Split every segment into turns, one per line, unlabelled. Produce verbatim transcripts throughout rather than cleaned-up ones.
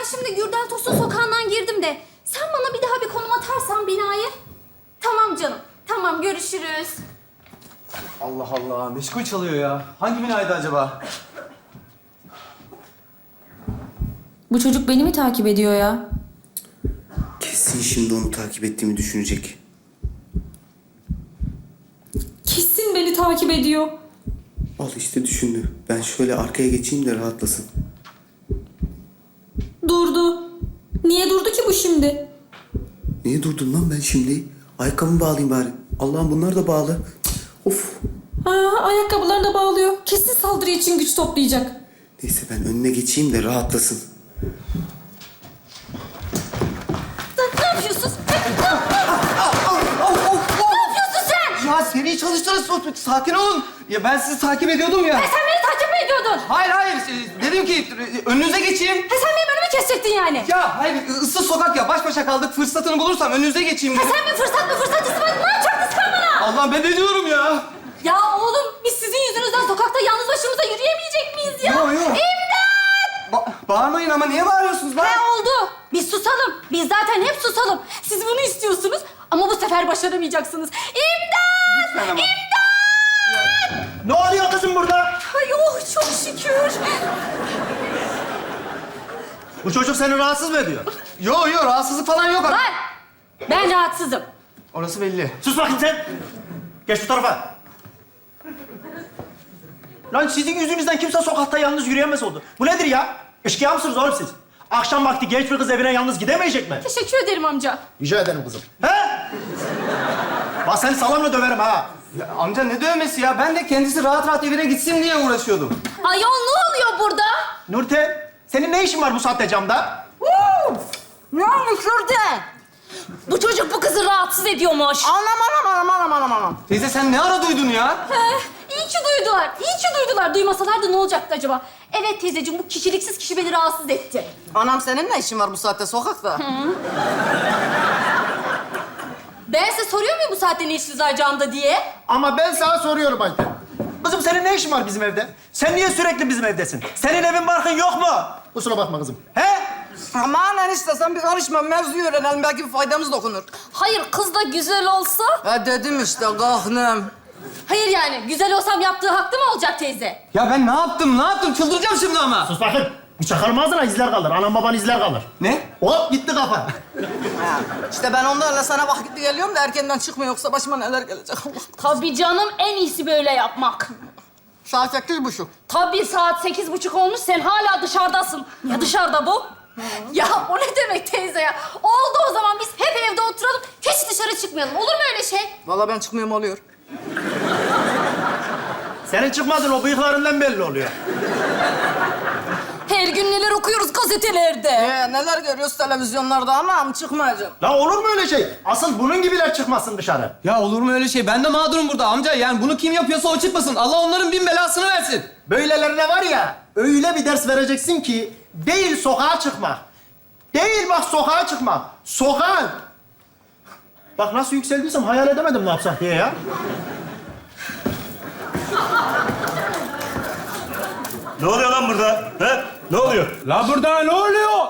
şimdi Gürdal Tosun sokağından girdim de sen bana bir daha bir konum atarsan binayı. Tamam canım. Tamam, görüşürüz.
Allah Allah, meşgul çalıyor ya. Hangi binaydı acaba?
Bu çocuk beni mi takip ediyor ya?
Kesin şimdi onu takip ettiğimi düşünecek.
Kesin beni takip ediyor.
Al işte düşündü. Ben şöyle arkaya geçeyim de rahatlasın.
Durdu. Niye durdu ki bu şimdi?
Niye durdum lan ben şimdi? Ayakkabımı bağlayayım bari. Allah'ım bunlar da bağlı. Cık, of.
Ha, ayakkabılarını da bağlıyor. Kesin saldırı için güç toplayacak.
Neyse ben önüne geçeyim de rahatlasın.
Ne yapıyorsun? Ne yapıyorsun sen?
Ya seriyi çalıştırın, sakin olun. Ya ben sizi takip ediyordum ya.
E sen beni takip mi ediyordun?
Hayır hayır, e, dedim ki e, önünüze geçeyim.
He sen benim önümü kesecektin yani.
Ya hayır, ıssız sokak ya, baş başa kaldık. Fırsatını bulursam önünüze geçeyim
He
dedim.
sen bir fırsat mı fırsat istemedin? Ne yapacaktın sen bana?
Allah, ben ne diyorum ya?
Ya oğlum biz sizin yüzünüzden sokakta yalnız başımıza yürüyemeyecek miyiz ya?
Yok, yok.
İmdat!
Ba- bağırmayın ama niye bağırıyorsunuz lan?
He oldu. Biz susalım. Biz zaten hep susalım. Siz bunu istiyorsunuz ama bu sefer başaramayacaksınız. İmdat!
Lütfen ama.
Ne oluyor kızım burada?
Ay oh çok şükür.
Bu çocuk seni rahatsız mı ediyor?
Yok yok, rahatsızlık falan yok.
Var. Ben rahatsızım.
Orası belli.
Sus bakayım sen. Geç bu tarafa. Lan sizin yüzünüzden kimse sokakta yalnız yürüyemez oldu. Bu nedir ya? Eşkıya mısınız oğlum siz? Akşam vakti genç bir kız evine yalnız gidemeyecek mi?
Teşekkür ederim amca.
Rica ederim kızım. He? Bak seni salamla döverim ha.
Ya, amca ne dövmesi ya? Ben de kendisi rahat rahat evine gitsin diye uğraşıyordum.
Ayol ne oluyor burada?
Nurten, senin ne işin var bu saatte camda?
Ne olmuş orada? Bu çocuk bu kızı rahatsız ediyormuş.
Anam anam anam anam anam anam.
Teyze sen ne ara duydun ya?
He, iyi ki duydular. İyi ki duydular. Duymasalardı ne olacaktı acaba? Evet teyzeciğim, bu kişiliksiz kişi beni rahatsız etti.
Anam senin ne işin var bu saatte sokakta?
Ben size soruyor muyum bu saatte ne işiniz var camda diye?
Ama ben sana soruyorum Ayten. Kızım senin ne işin var bizim evde? Sen niye sürekli bizim evdesin? Senin evin barkın yok mu? Kusura bakma kızım. He?
Aman enişte sen bir karışma, mevzuyu öğrenelim. Belki bir faydamız dokunur.
Hayır, kız da güzel olsa...
Ha dedim işte kahnım.
Hayır yani, güzel olsam yaptığı haklı mı olacak teyze?
Ya ben ne yaptım? Ne yaptım? Çıldıracağım şimdi ama.
Sus bakın. Bir çakarım ağzına izler kalır. Anam baban izler kalır.
Ne?
Hop gitti kafa.
Ha, İşte ben onlarla sana vakitli geliyorum da erkenden çıkma yoksa başıma neler gelecek Allah.
Tabii canım, en iyisi böyle yapmak.
Saat sekiz buçuk.
Tabii saat sekiz buçuk olmuş, sen hala dışarıdasın. Ya dışarıda bu? Ya o ne demek teyze ya? Oldu o zaman, biz hep evde oturalım, hiç dışarı çıkmayalım. Olur mu öyle şey?
Vallahi ben çıkmıyorum oluyor.
Senin çıkmadın o bıyıklarından belli oluyor.
Her gün neler okuyoruz gazetelerde.
Ee, neler görüyoruz televizyonlarda ama çıkmayacağım.
La olur mu öyle şey? Asıl bunun gibiler çıkmasın dışarı.
Ya olur mu öyle şey? Ben de mağdurum burada amca. Yani bunu kim yapıyorsa o çıkmasın. Allah onların bin belasını versin.
Böylelerine var ya, öyle bir ders vereceksin ki değil sokağa çıkmak. Değil bak sokağa çıkmak. Sokağa. Bak nasıl yükseldiysem hayal edemedim ne yapsak diye ya.
Ne oluyor lan burada? He? Ne oluyor?
La burada ne oluyor?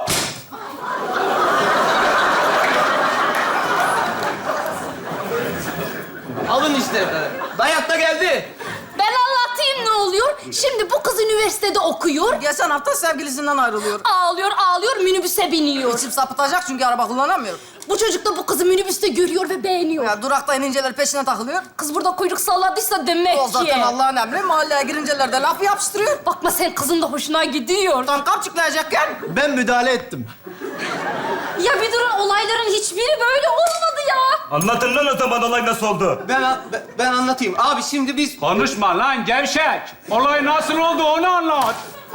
Alın işte. Dayak da geldi.
Ben anlatayım ne oluyor. Şimdi bu kız üniversitede okuyor.
Geçen hafta sevgilisinden ayrılıyor.
Ağlıyor, ağlıyor, minibüse biniyor.
İçim sapıtacak çünkü araba kullanamıyor.
Bu çocuk da bu kızı minibüste görüyor ve beğeniyor.
Ya durakta ininceler peşine takılıyor.
Kız burada kuyruk salladıysa demek
O
ki.
zaten Allah'ın emri. Mahalleye girinceler de laf yapıştırıyor.
Bakma sen, kızın da hoşuna gidiyor.
Tam kapçıklayacakken.
Ben müdahale ettim.
Ya bir durun, olayların hiçbiri böyle olmadı ya.
Anlatın lan o zaman olay nasıl oldu?
Ben, ben, ben anlatayım. Abi şimdi biz...
Konuşma lan gevşek. Olay nasıl oldu onu anlat.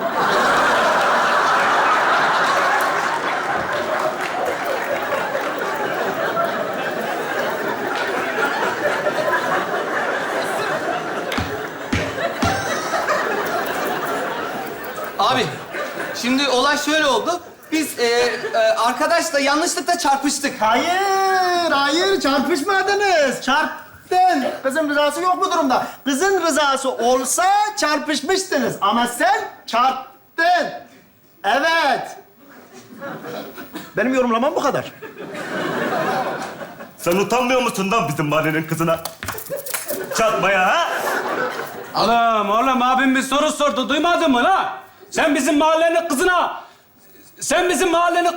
Abi şimdi olay şöyle oldu. Biz e, e, arkadaşla yanlışlıkla çarpıştık.
Hayır, hayır çarpışmadınız. Çarptın. Kızın rızası yok bu durumda. Kızın rızası olsa çarpışmıştınız. Ama sen çarptın. Evet. Benim yorumlamam bu kadar.
Sen utanmıyor musun lan bizim mahallenin kızına çatmaya ha?
Oğlum, oğlum abim bir soru sordu. Duymadın mı lan? Sen bizim mahallenin kızına... Sen bizim mahallenin...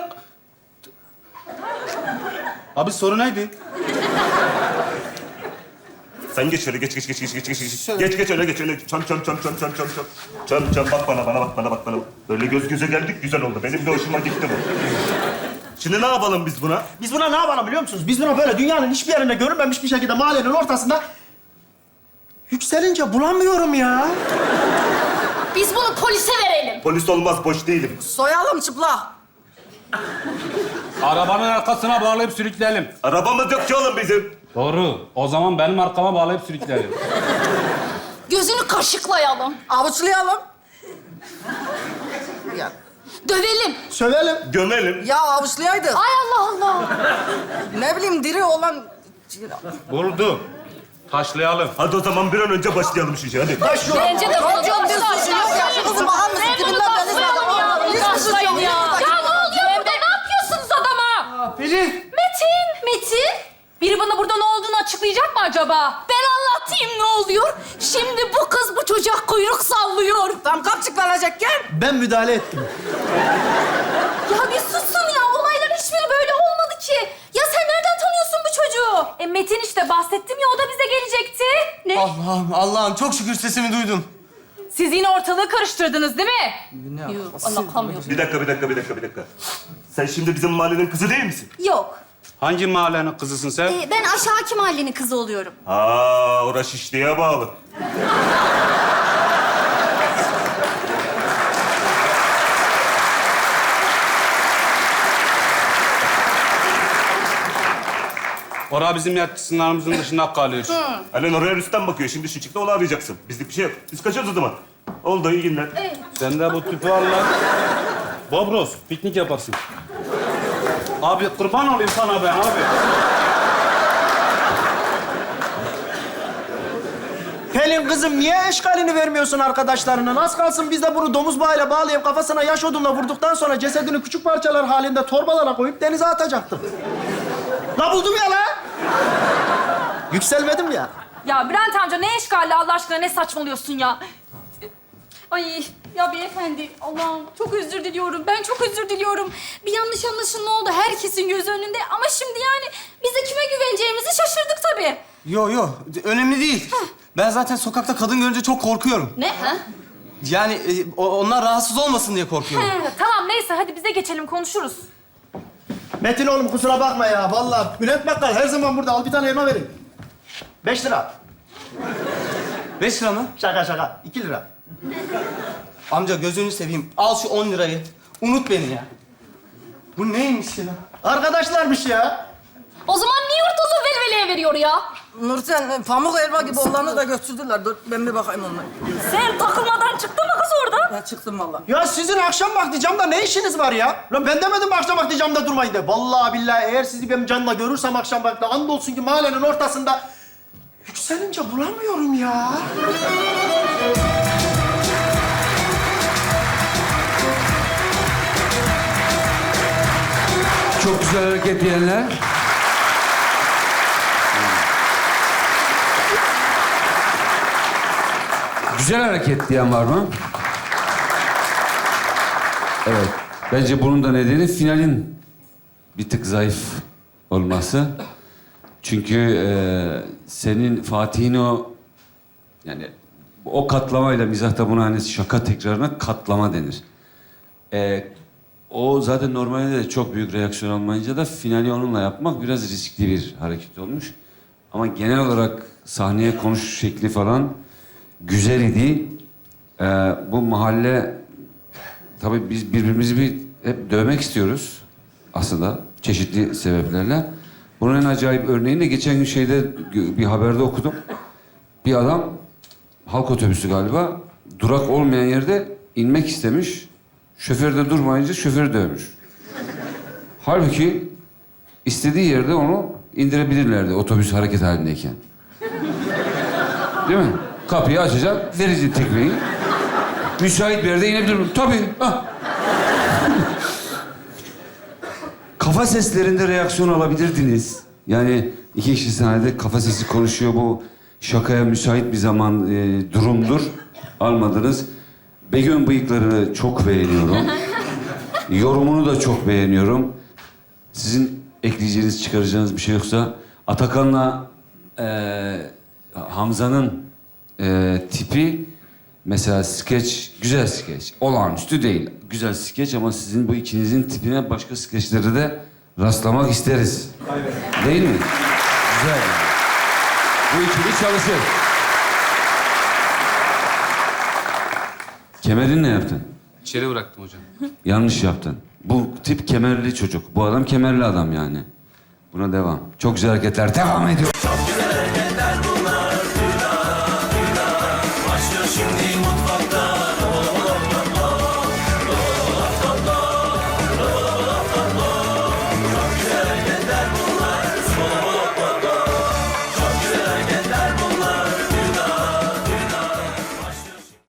Abi soru neydi?
Sen geç şöyle, geç, geç, geç, geç, geç, geç, geç. Geç, geç öyle, geç öyle. Çam, çam, çam, çam, çam, çam, çam. Çam, çam, bak bana, bana bak, bana bak, bana bak. Böyle göz göze geldik, güzel oldu. Benim de hoşuma gitti bu. Şimdi ne yapalım biz buna?
Biz buna ne yapalım biliyor musunuz? Biz buna böyle dünyanın hiçbir yerinde görünmemiş bir şekilde mahallenin ortasında... Yükselince bulamıyorum ya.
Biz bunu polise verelim.
Polis olmaz, boş değilim.
Soyalım çıplak.
Arabanın arkasına bağlayıp sürükleyelim.
Arabamız yok ki oğlum bizim.
Doğru. O zaman benim arkama bağlayıp sürükleyelim.
Gözünü kaşıklayalım.
Avuçlayalım. Ya,
Dövelim.
Sövelim.
Gömelim.
ya avuçlayaydık.
Ay Allah Allah.
Ne bileyim diri olan...
Buldu. Taşlayalım.
Hadi o zaman bir an önce başlayalım şu işe, hadi.
Taş yok.
Bence de bunu
Hocam, bir suçu yok ya. Şu kızın bakar mısın?
Ben bunu
Dibinden beni
taşlayalım ya.
zaten-
Bunu
Hiçbir suçu
taşlayın
yok.
ya.
Hiçbir
Ya
dakika.
ne oluyor burada? Ne yapıyorsunuz adama?
Pelin.
Metin. Metin. Biri bana burada ne olduğunu açıklayacak mı acaba? Ben anlatayım ne oluyor. Şimdi bu kız bu çocuğa kuyruk sallıyor.
Tam kapçık verecekken.
Ben müdahale ettim.
Ya bir susun ya. Olayların hiçbiri böyle olmadı ki. Ya sen nereden tanıyorsun bu çocuğu? E Metin işte bahsettim ya o da bize gelecekti. Ne?
Allah'ım, Allah'ım çok şükür sesimi duydum.
Siz yine ortalığı karıştırdınız değil mi? Yok, anlatamıyorum.
Bir dakika, bir dakika, bir dakika, bir dakika. Sen şimdi bizim mahallenin kızı değil misin?
Yok.
Hangi mahallenin kızısın sen?
Ee, ben aşağıki mahallenin kızı oluyorum.
Aa, orası Şişli'ye bağlı.
Orada bizim yatsı sınırımızın dışında kalıyor.
Alen oraya Rüstem bakıyor. Şimdi şu çıktı onu arayacaksın. Bizlik bir şey yok. Biz kaçıyoruz o zaman. Oldu, iyi günler.
Sen de bu tüpü al lan. Bobros, piknik yaparsın. Abi kurban olayım sana ben abi.
Pelin kızım niye eşkalini vermiyorsun arkadaşlarına? Nasıl kalsın biz de bunu domuz bağıyla bağlayıp kafasına yaş odunla vurduktan sonra cesedini küçük parçalar halinde torbalara koyup denize atacaktım. La buldum ya la. Yükselmedim ya.
Ya Bülent amca ne eşgali Allah aşkına ne saçmalıyorsun ya? Ay ya beyefendi Allah'ım çok özür diliyorum. Ben çok özür diliyorum. Bir yanlış anlaşılma oldu herkesin göz önünde. Ama şimdi yani biz de kime güveneceğimizi şaşırdık tabii.
Yo yo, önemli değil. Ben zaten sokakta kadın görünce çok korkuyorum.
Ne? Ha?
Yani e, o- onlar rahatsız olmasın diye korkuyorum.
Tamam neyse hadi bize geçelim konuşuruz.
Metin oğlum kusura bakma ya. Vallahi Bülent Bakkal her zaman burada. Al bir tane elma verin. Beş lira.
Beş lira mı?
Şaka şaka. İki lira.
Amca gözünü seveyim. Al şu on lirayı. Unut beni ya. Bu neymiş ya?
Arkadaşlarmış ya.
O zaman niye ortalığı velveleye veriyor ya?
Nurten, pamuk elma gibi olanı da götürdüler. Dur, ben bir bakayım onlara.
Sen takılmadan çıktın mı kız orada?
Ya çıktım vallahi.
Ya sizin akşam vakti camda ne işiniz var ya? Lan ben demedim mi akşam vakti camda durmayın de. Vallahi billahi eğer sizi benim canla görürsem akşam vakti andolsun ki mahallenin ortasında yükselince bulamıyorum ya.
Çok güzel hareket diyenler. Güzel hareket diyen var mı? Evet. Bence bunun da nedeni finalin bir tık zayıf olması. Çünkü e, senin Fatih'in o yani o katlamayla mizahta buna hani şaka tekrarına katlama denir. E, o zaten normalde de çok büyük reaksiyon almayınca da finali onunla yapmak biraz riskli bir hareket olmuş. Ama genel olarak sahneye konuş şekli falan güzel idi. Ee, bu mahalle tabii biz birbirimizi bir hep dövmek istiyoruz aslında çeşitli sebeplerle. Bunun en acayip örneğini de geçen gün şeyde bir haberde okudum. Bir adam halk otobüsü galiba durak olmayan yerde inmek istemiş. Şoför de durmayınca şoförü dövmüş. Halbuki istediği yerde onu indirebilirlerdi otobüs hareket halindeyken. Değil mi? Kapıyı açacak, verecek tekmeyi. Müsait bir yerde inebilir miyim? Tabii. Ah. kafa seslerinde reaksiyon alabilirdiniz. Yani iki kişi sahnede kafa sesi konuşuyor. Bu şakaya müsait bir zaman e, durumdur. Almadınız. Begüm bıyıklarını çok beğeniyorum. Yorumunu da çok beğeniyorum. Sizin ekleyeceğiniz, çıkaracağınız bir şey yoksa Atakan'la e, Hamza'nın e, tipi mesela skeç, güzel skeç. Olağanüstü değil. Güzel skeç ama sizin bu ikinizin tipine başka skeçlerde de rastlamak isteriz. Değil mi? Güzel. Bu ikili çalışır. Kemerini ne yaptın?
İçeri bıraktım hocam.
Yanlış yaptın. Bu tip kemerli çocuk. Bu adam kemerli adam yani. Buna devam. Çok güzel hareketler. Devam ediyor.